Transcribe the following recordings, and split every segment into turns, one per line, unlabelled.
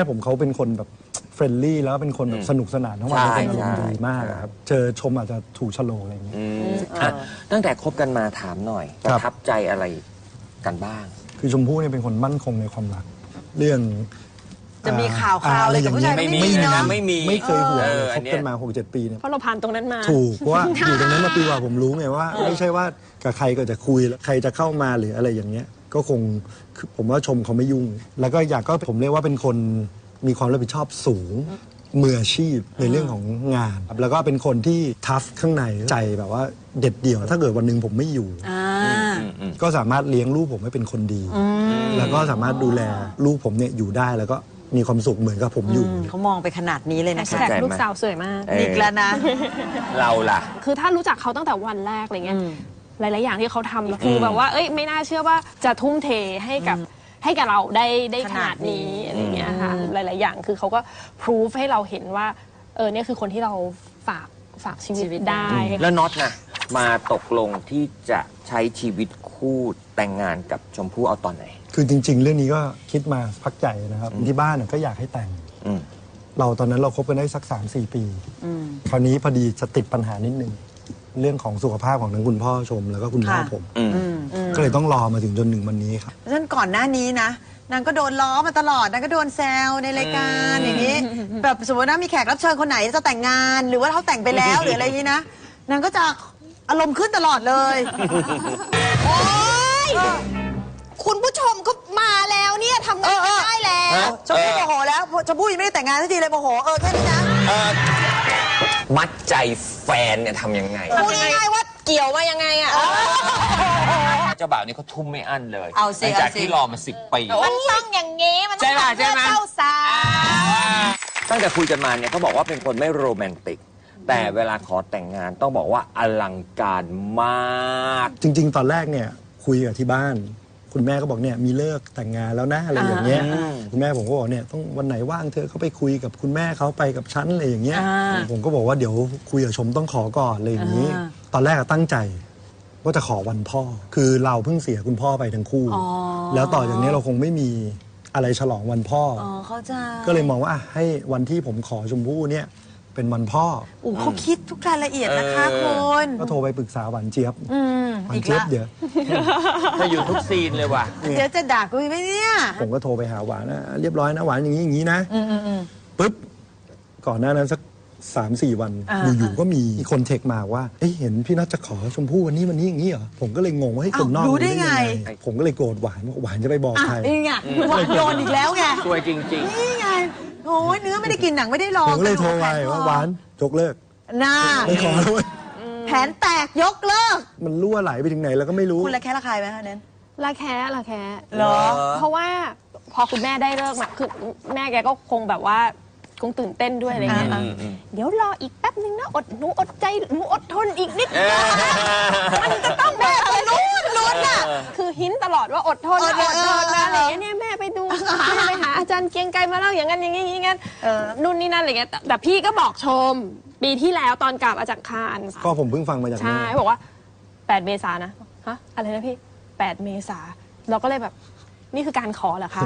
ผมเขาเป็นคนแบบเฟรนลี่แล้วเป็นคนแบบสนุกสนานทั้งวันเป็นอารมณ์ดีมากครับเจอชมอาจจะถูกชะโลอะไรอย่างเงี้ย
ตั้งแต่คบกันมาถามหน่อยประทับใจอะไรกันบ้าง
คือชมพู่เนี่ยเป็นคนมั่นคงในความรักเรื่อง
จะมีข่าวอะไรกับผู้ชายไม่มีเนาะ
ไม่เคยห่วงคบกันมา 6-7 ปีเนี่ย
เพราะเราผ่านตรงนั้นมา
ถูกเพราะว่าอยู่ตรงนั้นมาปีกว่าผมรู้ไงว่าไม่ใช่ว่ากับใครก็จะคุยแล้วใครจะเข้ามาหรืออะไรอย่างเงี้ยก็คงผมว่าชมเขาไม่ยุ่งแล้วก็อยากก็ผมเรียกว่าเป็นคนมีความรับผิดชอบสูงมืออาชีพในเรื่องของงานแล้วก็เป็นคนที่ทัฟข้างในใจแบบว่าเด็ดเดี่ยวถ้าเกิดวันหนึ่งผมไม่อยู่ก็สามารถเลี้ยงลูกผมให้เป็นคนดีแล้วก็สามารถดูแลลูกผมเนี่ยอยู่ได้แล้วก็มีความสุขเหมือนกับผมอยู่
เขามองไปขนาดนี้เลยนะคะ
แต่ลูกสาวสวยมาก
อีกแล้วนะ
เราล่ะ
คือถ้ารู้จักเขาตั้งแต่วันแรกอะไรเงี้ยหลายๆอย่างที่เขาทำคือแบบว่าเอ้ยไม่น่าเชื่อว่าจะทุ่มเทให้กับเราได้ขนาดนี้อะไรเงี้ยค่ะหลายๆอย่างคือเขาก็พิสูจให้เราเห็นว่าเนี่ยคือคนที่เราฝากชีวิตได้
แล้วน็อตนะมาตกลงที่จะใช้ชีวิตคู่แต่งงานกับชมพู่เอาตอนไหน
คือจริงๆเรื่องนี้ก็คิดมาพักใหญ่นะครับที่บ้านก็อยากให้แต่งเราตอนนั้นเราคบกันได้สัก 3-4 ปีคราวนี้พอดีจะติดปัญหานิดนึงเรื่องของสุขภาพของทั้งคุณพ่อชมแล้วก็คุณพ่อผมก็เลยต้องรอมาถึงจนถึงวันนี้ครับ
เพราะฉะนั้นก่อนหน้านี้นะนางก็โดนล้อมาตลอดนางก็โดนแซวในรายการอย่างนี้แบบสมมติว่ามีแขกรับเชิญคนไหนจะแต่งงานหรือว่าเขาแต่งไปแล้วหรืออะไรนี้นะนางก็จะอารมณ์ขึ้นตลอดเลย
โอ๊ยคุณผู้ชมก็มาแล้วเนี่ยทำงานได้แล้ว
ชมพู่โมโหแล้วชมพู่ยังไม่ได้แต่งงานสักทีเลยโมโหแค่นี้นะ
มัดใจแฟนเนี่ยทำยังไง
พูดง่ายๆว่าเกี่ยวมายังไงอ่ะ
เจ้าบ่าวนี่เขาทุ่มไม่อั้นเลย
เอาสิ
จากที่รอมา10 ปี
มันต้องอย่างงี้มันต้องเพื่อเจ้าสาว
ตั้งแต่คุยกันมาเนี่ยเขาบอกว่าเป็นคนไม่โรแมนติกแต่เวลาขอแต่งงานต้องบอกว่าอลังการมาก
จริงๆตอนแรกเนี่ยคุยกับที่บ้านคุณแม่ก็บอกเนี่ยมีเลิกแต่งงานแล้วนะอะไรอย่างเงี้ยคุณแม่ผมก็บอกเนี่ยต้องวันไหนว่างเธอเขาไปคุยกับคุณแม่เขาไปกับฉันอะไรอย่างเงี้ยผมก็บอกว่าเดี๋ยวคุยกับชมต้องขอก่อนอะไรอย่างนี้ตอนแรกตั้งใจว่าจะขอวันพ่อคือเราเพิ่งเสียคุณพ่อไปทั้งคู่แล้วต่อจากนี้เราคงไม่มีอะไรฉลองวันพ่อก็เลยมองว่าให้วันที่ผมขอชมพู่เนี่ยเป็นวันพ่อ
เขาคิดทุกรายละเอียดนะคะคุณ
ก็โทรไปปรึกษาหวานเจี๊ยบหวานเจี๊ยบเดี๋ยว
จะอยู่ทุกซีนเลยว่ะ
เดี๋ยวจะด่ากูไหมเนี่ย
ผมก็โทรไปหาหวานนะเรียบร้อยนะหวานอย่างนี้อย่างนี้นะปุ๊บก่อนหน้านั้นสัก3-4 วันอยู่ๆก็มีคนเทคมาว่าเห็นพี่นัทจะขอชมพู่วันนี้อย่างนี้เหรอผมก็เลยงงว่าให้คนนอก
รู้ได้ไง
ผมก็เลยโกรธหวานว่าหวานจะไปบอกใคร
นี่ไงหวานโดนอีกแล้วไง
สวยจริง
ๆนี่ไงโอ้ยเนื้อไม่ได้กินหนังไม่ได้ลอง
ผมก็เลยโทรไปว่าหวานยกเลิกไม่ขอแล้ว
แผนแตกยกเลิก
มันรั่วไหลไปถึงไหนแล้วก็ไม่รู้
คุณละแค่ละใครไหมคะเน้น
ละแค่เหรอเพราะว่าพอคุณแม่ได้เลิกมาคือแม่แกก็คงแบบว่าคงตื่นเต้นด้วยอะไรเงี้ยเดี๋ยวรออีกแป๊บนึงนะหนูอดใจหนูอดทนอีกนิดมันจะต้องแบบลุ้นอ่ะคือหินตลอดว่าอดทนนะอะไรเงี้ยเนี่ยแม่ไปดูแม่ไปหาอาจารย์เกียงไกรมาเล่าอย่างนั้นอย่างนี้อย่างนั้นนู่นนี่นั่นอะไรเงี้ยแต่พี่ก็บอกชมปีที่แล้วตอนกลับมาจากคาน
ก็ผมเพิ่งฟังมาจาก
ใช่บอกว่า8 เมษายนนะฮะอะไรนะพี่8 เมษายนเราก็เลยแบบนี่คือการขอเหรอคะ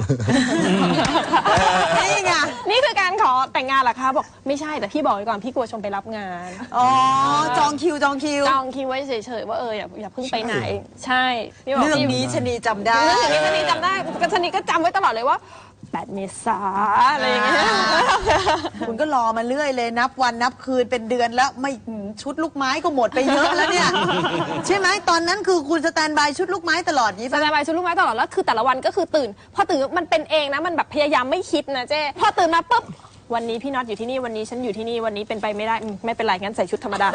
นี่ไง
นี่คือการขอแต่งงานเหรอคะบอกไม่ใช่แต่พี่บอกไว้ก่อนพี่กลัวชมไปรับงาน
จองคิว
ไว้เฉยๆว่าอย่าเพิ่งไปไหนใช่
เรื่องนี้ชนีจำได้
เรื่องนี้ชนีจำได้ชนีก็จำไว้ตลอดเลยว่า8 เมษายนอะไรอย่างเงี้ย
คุณก็รอมาเรื่อยเลยนับวันนับคืนเป็นเดือนแล้วไม่ชุดลูกไม้ก็หมดไปเยอะแล้วเนี่ยใช่ไหมตอนนั้นคือคุณสแตนบายชุดลูกไม้ตลอดนี้
สแตนบายชุดลูกไม้ตลอดแล้วคือแต่ละวันก็คือตื่นพอตื่นมันเป็นเองนะมันแบบพยายามไม่คิดนะเจ้พอตื่นมาปุ๊บวันนี้พี่น็อตอยู่ที่นี่วันนี้ฉันอยู่ที่นี่วันนี้เป็นไปไม่ได้ไม่เป็นไรงั้นใส่ชุดธรรมดา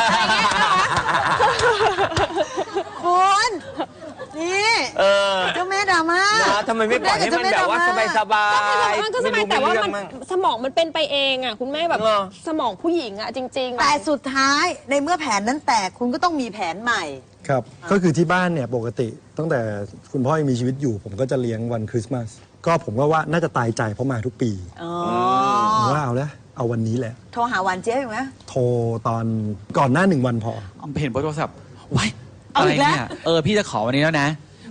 คุณนี่เจ้าแม่ดราม่า
ทำไมไม่ปล่อยให้มันแบบว่าสบาย
มันก็สบายแต่ว่ามันสมองมันเป็นไปเองอ่ะคุณแม่แบบสมองผู้หญิงอ่ะจริงๆ
แต่สุดท้ายในเมื่อแผนนั้นแตกคุณก็ต้องมีแผนใหม่
ครับก็คือที่บ้านเนี่ยปกติตั้งแต่คุณพ่อยังมีชีวิตอยู่ผมก็จะเลี้ยงวันคริสต์มาสก็ผมก็ว่าน่าจะตายใจเพราะมาทุกปีผมว่าเอาวันนี้แหละ
โทรหาหวานเจี๊ยบไหม
โทรตอนก่อนหน้า1 วันพอ
เห็นบนโทรศัพท์ไว้อะไรเนี่ยพี่จะขอวันนี้แล้วนะ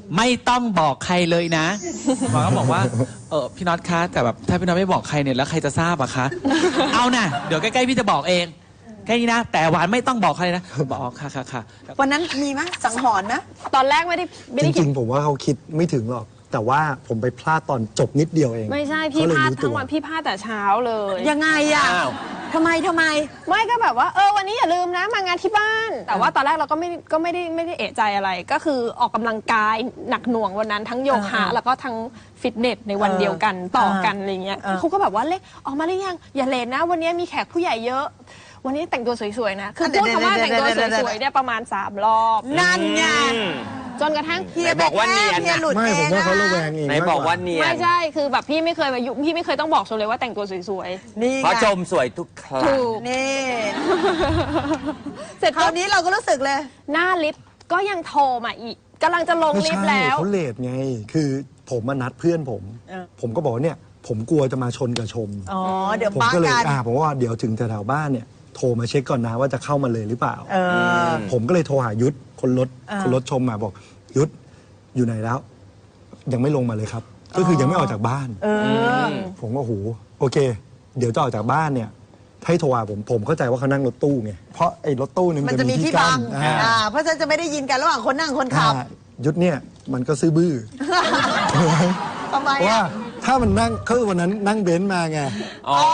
ไม่ต้องบอกใครเลยนะหวานก็บอกว่าพี่น็อตคะแต่แบบถ้าพี่น็อตไม่บอกใครเนี่ยแล้วใครจะทราบอะคะ เอานะเดี๋ยวใกล้ๆพี่จะบอกเองแค่นี้นะแต่หวานไม่ต้องบอกใครนะบอกค่ะ
วันนั้นมีไหมสังหรณ์นะ
ตอนแรกไม่ได้
จ
คิ
ริ
ด
งๆผมว่าเขาคิดไม่ถึงหรอก แต่ว่าผมไปพลาดตอนจบนิดเดียวเอง
ไม่ใช่พี่
เขเลย
พลาด
รู้ตั
ทั้งวันพี่พลาดแต่เช้าเลย
ยังไงอ่ะ
อ้าว
ทำไม
ไม่ก็แบบว่าวันนี้อย่าลืมนะมางานที่บ้าน แต่ว่าตอนแรกเราก็ไม่ได้เอะใจอะไร ก็คือออกกำลังกายหนักหน่วงวันนั้นทั้งโยคะแล้วก็ทั้งฟิตเนสในวันเดียวกันต่อกันอะไรเงี้ยเขาก็แบบว่าเล็กออกมาหรือยังอย่าเลทนะ วันนี้มีแขกผู้ใหญ่เยอะ วันนี้แต่งตัวสวยๆนะคือพูดคำว่าแต่งตัวสวยๆเนี่ยประมาณ3 รอบ
นั่นไง
จนกระทั่ง
เฮีย
ไหนบอกว่าเนียน
เฮียหลุด
ไม่
เอ
ผม
ง
ว่าเขา
นะ
ระแวงเอง
ไหน
มาก
บอก
ก
ว่า
ว่า
เนียน
ไม่ใช่คือแบบพี่ไม่เคยมายุ่งพี่ไม่เคยต้องบอกชมเลยว่าแต่งตัวสวย
นี่
เพราะ
ไง
ชมสวยทุกครั้ง
ๆถูก
นี่
เสร็จ
คราวนี้เราก็รู้สึกเลย
หน้าลิฟต์ก็ยังโทรมาอีกกำลังจะลง
ไม่
ลิฟ
ใช่
ต์แล้ว
เขาเลทไง คือผมมานัดเพื่อนผม ผมก็บอกว่าเนี่ย ผมกลัวจะมาชนกับชม
อ๋อ เดี๋ยว
ผม
ป้า
ก็เลย
กัน
ผมว่าเดี๋ยวถึงแถวๆบ้านเนี่ยโทรมาเช็คก่อนนะว่าจะเข้ามาเลยหรือเปล่า
เออ
ผมก็เลยโทรหายุทธคนรถ
อ่า
คนรถชมมาบอกยุทธอยู่ไหนแล้ว ยังไม่ลงมาเลยครับ ก็คือยังไม่ออกจากบ้าน
เออ
ผมก็โหโอเค เดี๋ยวจะออกจากบ้านเนี่ยให้โทรหาผมเข้าใจว่าเขานั่งรถตู้ไงเพราะไอ้รถตู้เนี่ย
มั
มัน น
จะ
จะ
มี
มี
ที่
ที่
บั
กั้
ง
น
เพราะฉะนั้นจะไม่ได้ยินกันระหว่างคนนั่งคนขับ
ยุทธเนี่ยมันก็ซื้อบื้อ
ทำไม
เพราะว่า
อ่ะ
ถ้ามันนั่งคือวันนั้นนั่งเบนซ์มาไง
อ๋อ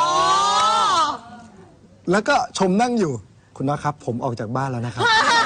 แล้วก็ชมนั่งอยู่คุณนะครับ ผมออกจากบ้านแล้วนะครับ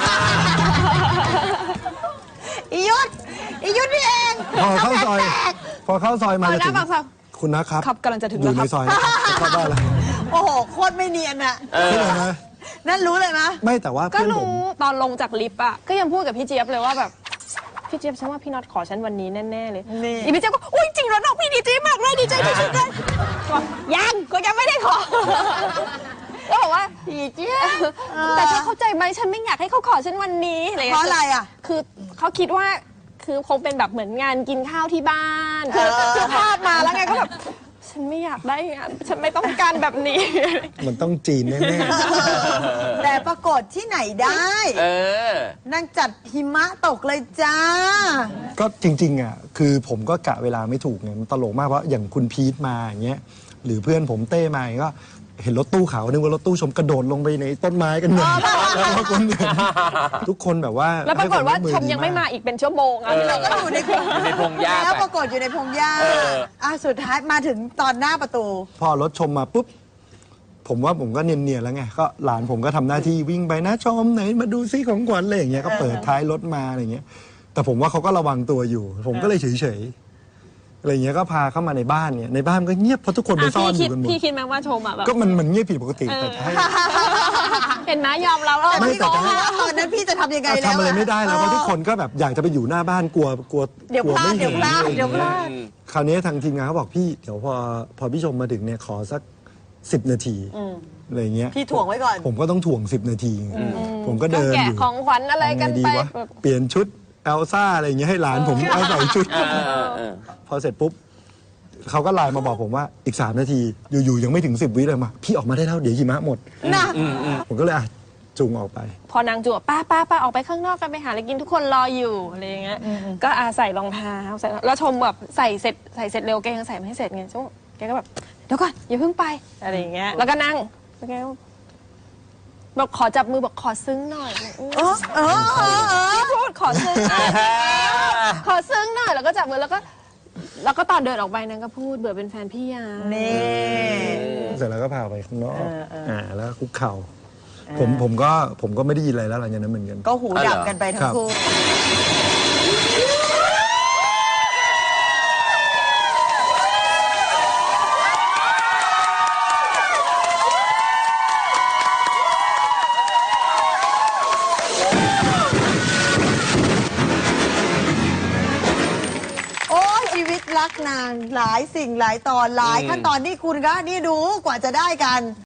อียุทธนี่เอง
พอเข้าซอย พอเข้าซอยมา
เอา
จะ
นะ
ถึง
ปากซอย
คุณนะครับ
ครับกำลังจะถึง
อยู่
แล้ว
ใน
ครับ
ซอยนะครับจะเข้าบ้านแล้ว
โอ้โห โคตรไม่เนียนอ่ะ
ใช่ไหมนะ
นั่นรู้เลยมะ
ไม่แต่ว่า
ก็
เพื่อนผม
รู้ตอนลงจากลิฟต์อ่ะก็ยังพูดกับพี่เจี๊ยบเลยว่าแบบพี่เจี๊ยบฉันว่าพี่น็อตขอฉันวันนี้แน่ๆเลย
นี่
อีพี่เจี๊ยบก็อุ้ยจริงเหรอน้องพี่ดีใจมากเลยดีใจที่สุดเลยบอกยังก็ยังไม่ได้ขอก็บอกว่า
พี่เจี๊ยบ
แต่เธอเข้าใจไหมฉันไม่อยากให้เขาขอฉันวันนี้อะไรอย่าง
เพ
เงี้ย
ราะอะไรอ่ะ
คือเขาคิดว่าคือคงเป็นแบบเหมือนงานกินข้าวที่บ้านคือภาพมาแล้วไงก็แบบฉันไม่อยากได้งานฉันไม่ต้องการแบบนี้
มันต้องจีนแน่
แต่ปรากฏที่ไหนได้
เออ
นั่งจัดหิมะตกเลยจ้า
ๆก็จริงๆอ่ะคือผมก็กะเวลาไม่ถูกไงมันตลกมากเพราะอย่างคุณพีทมาอย่างเงี้ยหรือเพื่อนผมเต้มาอย่างเงี้ยก็เห็นรถตู้ขาวนึกว่ารถตู้ชมกระโดดลงไปในต้นไม้กันหมดแล้วก็คนอื่นทุกคนแบบว่า
แล้วปรากฏว่า
ให้
ช
ค
ม
ว
ยังไม่มาอีกเป็นชั่วโมงอ่ะ
เราก็อยู่ในพง
อยู่ในพงหญ้า
แล้ว
ไป
ปรากฏอยู่ในพงหญ้า
เออ
สุดท้ายมาถึงตอนหน้าประตู
พอรถชมมาปุ๊บ ผมว่าผมก็เนียนๆแล้วไงก็หลานผมก็ทำหน้าที่วิ่งไปนะชมไหนมาดูซิของขวัญอะไรอย่างเงี้ยก็เปิดท้ายรถมาอะไรอย่างเงี้ย แต่ผมว่าเขาก็ระวังตัวอยู่ ผมก็เลยเฉยๆอะไรอย่างเงี้ยก็พาเข้ามาในบ้านเนี่ยในบ้านก็เงียบเพราะทุกคนไปซ่อนอยู่กันหมด
พี่คิดไหมว่าชมอ่ะแบบ
ก็มันเงียบผิดปกติแต่ให้
เห็นไหมยอมเราแล้ว
แต่
ไม่
พี่
แต่
บอกว่าตอนนั้นพี่จะทำยังไงแล้ว
ทำอะไรไม่ได้แล้วเพราะทุกคนก็แบบอยากจะไปอยู่หน้าบ้านกลัว
เดี๋ยว
กลัว
พลาด
ไม่
เดี๋
เห็
ยวน พลาด
อะไรอย่าง
เดี๋ยวพ
เงี้ย
ลาด
คราวนี้ทางทีมงานเขาบอกพี่เดี๋ยวพอพี่ชมมาถึงเนี่ยขอสัก10 นาทีอะไรอย่างเงี้ย
พี่ถ่วงไว้ก่อน
ผมก็ต้องถ่วง10 นาที ผมก็
ก็
เดิน
แกะ
อยู่
ของขวัญอะไรกัน
ทำงดี
ไป
วะเปลี่ยนชุดเอลซ่าอะไรอย่างเงี้ยให้หลานผมเอาใส่ชุด พอเสร็จปุ๊บเขาก็ไลน์มาบอกผมว่าอีก3 นาทีอยู่ๆยังไม่ถึง10 วิเลยมาพี่ออกมาได้แล้วเดี๋ยวหิมะหมด
น่ะ
ผมก็เลยจูงออกไป
พอนางจั่วป้าออกไปข้างนอกกันไปหาอะไรกินทุกคนรออยู่อะไรอย่างเงี้ยก็ใส่รองเท้าใส่แล้วชมแบบใส่เสร็จเร็วแกยังใส่ไม่ให้เสร็จไงชมแกก็แบบเดี๋ยวก่อนอย่าเพิ่งไปอะไรอย่างเงี้ยแล้วก็นั่งแล้วแกก็บอกขอจับมือบอกขอซึ้งหน่อย พี่พูดขอซึ้งหน่อยขอซึ้งหน่อยแล้วก็จับมือแล้วก็ตอนเดินออกไปนางก็พูดเบื่อเป็นแฟนพี่ยา
นี่
เสร็จแล้วก็พาไปข้างนอกแล้วคุกเข่าผมก็ไม่ได้ยินอะไรแล้วหลังจากนั้นเหมือนกัน
ก็หูดับกันไปทั้งคู่ โอ้ยชีวิตรักนางหลายสิ่งหลายตอนหลายขั้นตอนนี่คุณก็นี่ดูกว่าจะได้กัน